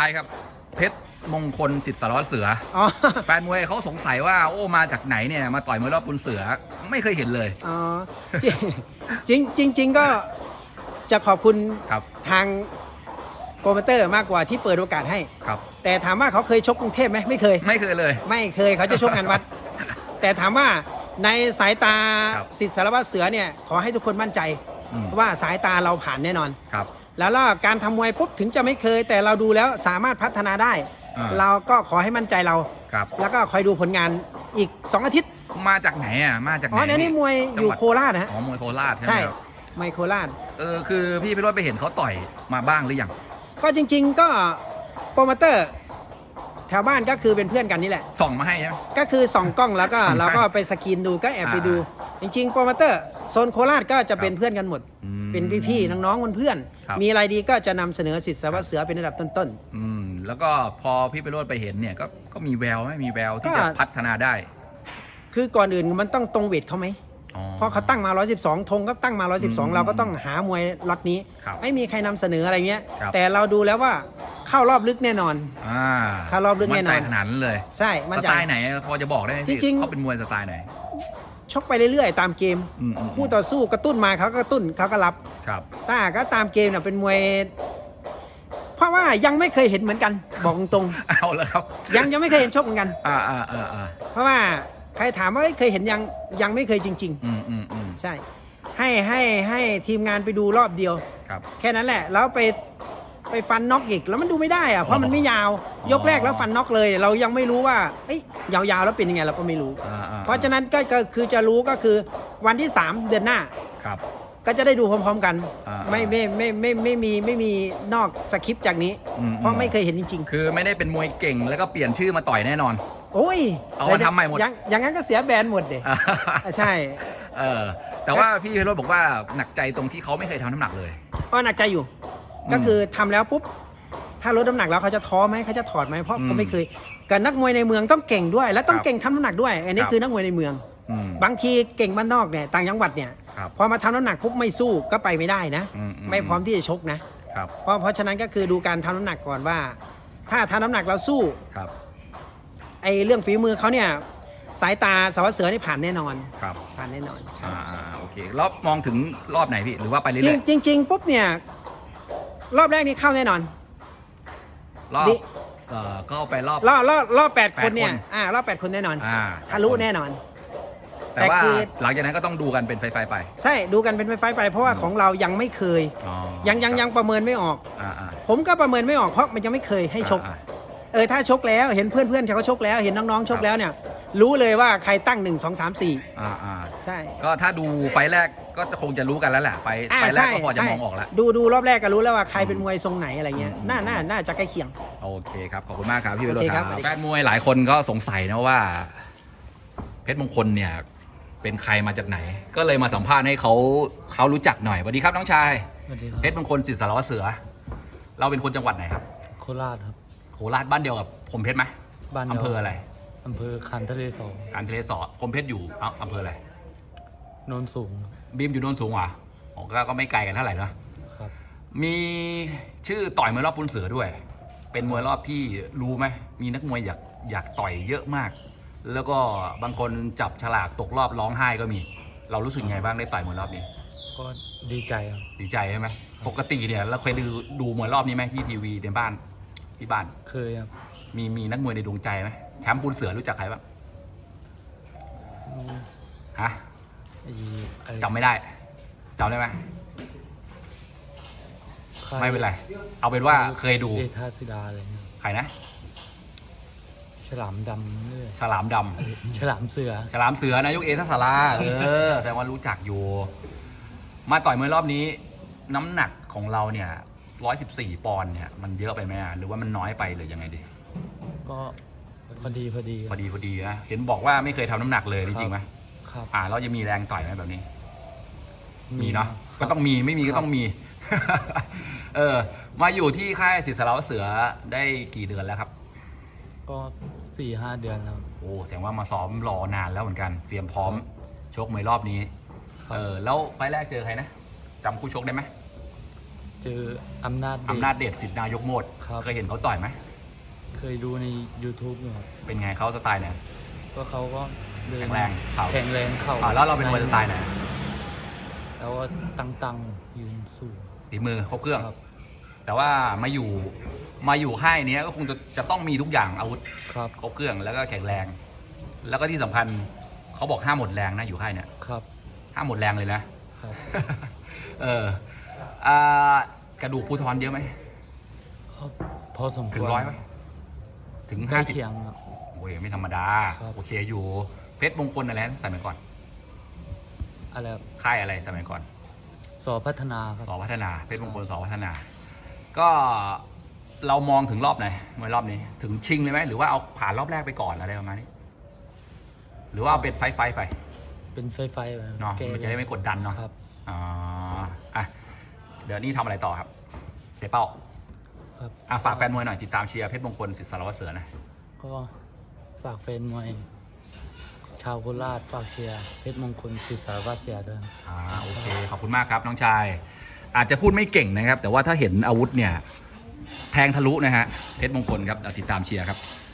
ายครับเพชรมงคลสิทธิ์สารวัตรเสืออ๋อแฟนมวยเขาสงสัยว่าโอ้มาจากไหนเนี่ยมาต่อยมวยรอบปุนเสือไม่เคยเห็นเลยอ๋อจริงก็จะขอบคุณครับทางโปรโมเตอร์มากกว่าที่เปิดโอกาสให้ครับแต่ถามว่าเขาเคยชกกรุงเทพไหมไม่เคยไม่เคยเลยไม่เคยเขาจะชกงานวัด แต่ถามว่าในสายตาครับสิทธิ์สารวัตรเสือเนี่ยขอให้ทุกคนมั่นใจอืมว่าสายตาเราผ่านแน่นอนครับแล้วการทำมวยปุ๊บถึงจะไม่เคย แต่เราดูแล้วสามารถพัฒนาได้อ่าเราก็ขอให้มั่นใจเราครับแล้วก็คอยดูผลงานอีก 2 อาทิตย์มาจากไหนอ่ะมาจากไหนอ๋อเนี่ยนี่มวยจัอง ยู่หวัดโคราชนะฮะอ๋อมวยโคราชใช่ไหใช่มครับมวยโคราชคือพี่พิโรจน์ไปเห็นเขาต่อยมาบ้างหรือยังก็จริงๆก็โปรโมเตอร์แถวบ้านก็คือเป็นเพื่อนกันนี่แหละส่องมาให้ใช่ไหมก็คือส่องกล้องแล้วก็ส่องให้เราก็ไปสกรีนดูก็แอบไปดู จริงๆโปรโมเตอร์โซนโคราชก็จะเป็นเพื่อนกันหมดอืมเป็นพี่ๆน้องๆเพื่อนครับๆมีอะไรดีก็จะนำเสนอสิทธิ์สารวัตรเสือเป็นระดับต้นแล้วก็พอพี่พิโรจน์ไปเห็นเนี่ยก็มีแววไหมมีแววที่ก็จะพัฒนาได้ๆคือก่อนอื่นมันต้องตรงเวทเขาไหมอ๋อเพราะเขาตั้งมา 112 ธงก็ตั้งมา 112 เราก็ต้องหามวยล็อตนี้ครับไม่มีใครนำเสนออะไรเงี้ยครับแต่เราดูแล้วว่าเข้ารอบลึกแน่นอน ถ้ารอบลึกแน่นอนมั่ใจขนาดนั้นเลยใช่มั่สนใจไตล์ไหนพอจะบอกได้ไหมพี่จริงๆเขาเป็นมวยสไตล์ไหนชกไปเรื่อยๆ ตามเกม คู่ต่อสู้กระตุ้นมาเขาก็กระตุ้นเขาก็รับครับถ้าก็ตามเกมเนี่ยเป็นมวย เพราะว่ายังไม่เคยเห็นเหมือนกัน บอกตรงเอาแล้วครับๆยังไม่เคยเห็นชกเหมือนกัน เพราะว่าใครถามว่าเคยเห็นยังไม่เคยจริง ๆ ใช่ ให้ทีมงานไปดูรอบเดียวครับแค่นั้นแหละแล้วไปฟันน็อกอีกแล้วมันดูไม่ได้อะเพราะมันไม่ยาว ยกแรกแล้วฟันน็อกเลย เรายังไม่รู้ว่าเอ้ยยาวๆแล้วเป็นยังไงเราก็ไม่รู้ เพราะฉะนั้นก็คือจะรู้ก็คือวันที่ 3 เดือนหน้าครับก็จะได้ดูพร้อมๆกันๆไม่มีนอกสคริปต์จากนี้ เพราะไม่เคยเห็นจริงคือไม่ได้เป็นมวยเก่งแล้วก็เปลี่ยนชื่อมาต่อยแน่นอนๆ โอ้ยเอามาทำใหม่หมดอย่างนั้นก็เสียแบรนด์หมดเด็ใช่แต่ว่าพี่พิโรจน์บอกว่าหนักใจตรงที่เขาไม่เคยทำน้ำหนักเลยก็หนักใจอยู่ ก็คือทำแล้วปุ๊บถ้าลดน้ำหนักแล้วเขาจะท้อไหมเขาจะถอดไหมเพราะอืมเขาไม่เคยกับนักมวยในเมืองต้องเก่งด้วย และต้องครับเก่งทำน้ำหนักด้วย อันนี้ครับคือนักมวยในเมือง บางทีเก่งบ้านนอกเนี่ยต่างจังหวัดเนี่ยครับพอมาทำน้ำหนักปุ๊บไม่สู้ก็ไปไม่ได้นะ ไม่พร้อมที่จะชกนะครับเพราะฉะนั้นก็คือดูการทำน้ำหนักก่อนว่า ถ้าทำน้ำหนักเราสู้ครับไอ้เรื่องฝีมือเขาเนี่ยสายตาสารวัตรเสือนี่ผ่านแน่นอนครับผ่านแน่นอนโอเคแล้วมองถึงรอบไหนพี่หรือว่าไปเรื่อยจริงปุ๊บเนี่ยรอบแรกนี่เข้าแน่นอนๆรอบก็ไปรอบรอบ8 คนเนี่ย 8 คนรอบ8 คนแน่นอน 8 ทะลุแน่นอนแต่ว่าแต่คือหลังจากนั้นก็ต้องดูกันเป็นไฟไปใช่ดูกันเป็นไฟๆไป เพราะว่าของเรายังไม่เคยอ๋อยังประเมินไม่ออกอ่าผมก็ประเมินไม่ออกเพราะมันยังไม่เคยให้ชก ถ้าชกแล้วเห็นเพื่อนเขาชกแล้วเห็นน้องๆชกแล้วเนี่ย รู้เลยว่าใครตั้ง1 2 3 4ใช่ก็ถ้าดูไฟแรกก็คงจะรู้กันแล้วแหละไฟแรกก็พอจะมองออกแล้วดูรอบแรกก็รู้แล้วว่าใครเป็นมวยทรงไหนอะไรเงี้ยน่าจะใกล้เคียงโอเคครับขอบคุณมากครับพี่วิโรจโอน์เคคครัรับบ แฟนมวยหลายคนก็สงสัยนะว่า เพชรมงคลเนี่ยเป็นใครมาจากไหน ก็เลยมาสัมภาษณ์ให้เขารู้จักหน่อยสวัสดีครับน้องชายสวัสดีครับเพชรมงคลสิทธิ์สารวัตรเสือ เราเป็นคนจังหวัดไหนครับโคราชครับโคราชบ้านเดียวกับผมเพชรไหมบ้านดียวอำเภออะไรอำเภอคันทะเลสอการทะเลสอผมเพชรอยู่อำเภออะไรโนนสูงบีมอยู่โนนสูงเหรออ๋อก็ไม่ไกลกันเท่าไหร่นะครับ มีชื่อต่อยมวยรอบปุนเสือด้วย เป็นมวยรอบที่รู้ไหมมีนักมวยอยากต่อยเยอะมาก แล้วก็บางคนจับฉลากตกรอบร้องไห้ก็มี เรารู้สึกไงบ้างได้ต่อยมวยรอบนี้ก็ดีใจครับดีใจใช่ไหมปกติเนี่ยเราเคยดูมวยรอบนี้ไหมที่ทีวีในบ้านที่บ้านเคยครับมีนักมวยในดวงใจไหมแชมป์ปุนเสือรู้จักใครบ้างฮะไอ้อะไรจำไม่ได้จำได้ไหมใครไม่เป็นไร เอาเป็นว่าเคยดูเอธาสิดาอะไรเงี้ยใครนะฉลามดำเนี่ยฉลามดำฉลามเสือฉลามเสือนายกเอทัศราแสดงว่ารู้จักอยู่ มาต่อยมวยรอบนี้ น้ำหนักของเราเนี่ย114 ปอนด์เนี่ยมันเยอะไปไหมหรือว่ามันน้อยไปหรือยังไงดีก็พอดีพอดีนะเห็นบอกว่าไม่เคยทำน้ำหนักเลยจริงไหมครับเราจะมีแรงต่อยไหมแบบนี้ มีเนาะก็ต้องมีไม่มีก็ต้องมี มาอยู่ที่ค่ายสิทธิ์สารวัตรเสือได้กี่เดือนแล้วครับก็4-5 เดือนแล้วโอ้แสดงว่ามาซ้อมรอนานแล้วเหมือนกัน เตรียมพร้อมชกมวยรอบนี้ครับแล้วไฟล์แรกเจอใครนะจำคู่ชกได้ไหมเจออำนาจเดชอำนาจเดชสิทธินายกโมดครับเคยเห็นเขาต่อยไหมเคยดูใน YouTube อยู่ครับเป็นไงเขาสไตล์ไหนก็เขาก็เดินแข็งแรงเข่าแข็งแรงเข่าแล้วเราเป็นมวยสไตล์ไหนแล้วก็ตั้งยืนสู้ฝีมือครบเครื่องครับแต่ว่ามาอยู่ค่ายเนี้ยก็คงจะต้องมีทุกอย่างอาวุธครับครบเครื่องแล้วก็แข็งแรง แล้วก็ที่สำคัญเขาบอกห้ามหมดแรงนะอยู่ค่ายเนี้ยครับห้ามหมดแรงเลยนะครับเอออ่ากระดูกภูทรเยอะไหมพอสมควรถึง100ไหมถึงใกล้ 50 เคียงครับโอ้ยไม่ธรรมดาครับโอเคอยู่เพชรมงคลอะไรนะสมัยก่อนอะไรครับค่ายอะไรสมัยก่อนสอพัฒนาครับสพัฒนาเพชรมงคลสพัฒนา ก็เรามองถึงรอบไหนมวยรอบนี้ ถึงชิงเลยไหมหรือว่าเอาผ่านรอบแรกไปก่อนอะไรประมาณนี้ หรือว่าเอาเป็นไฟท์ไปเป็นไฟไปเนาะมันจะได้ไม่กดดันเนาะครับอ๋ออ่ะเดี๋ยวนี่ทำอะไรต่อครับเดี๋ยวเป้าครับอ่ะฝากแฟนมวยหน่อยติดตามเชียร์เพชรมงคลสิทธิ์สารวัตรเสือนะก็ฝากแฟนมวยชาวโคราชฝากเชียร์เพชรมงคลศิษย์สารวัตรเสียด้วยโอเคขอบคุณมากครับน้องชาย อาจจะพูดไม่เก่งนะครับ แต่ว่าถ้าเห็นอาวุธเนี่ยแทงทะลุนะฮะเพชรมงคลครับติดตามเชียร์ครับ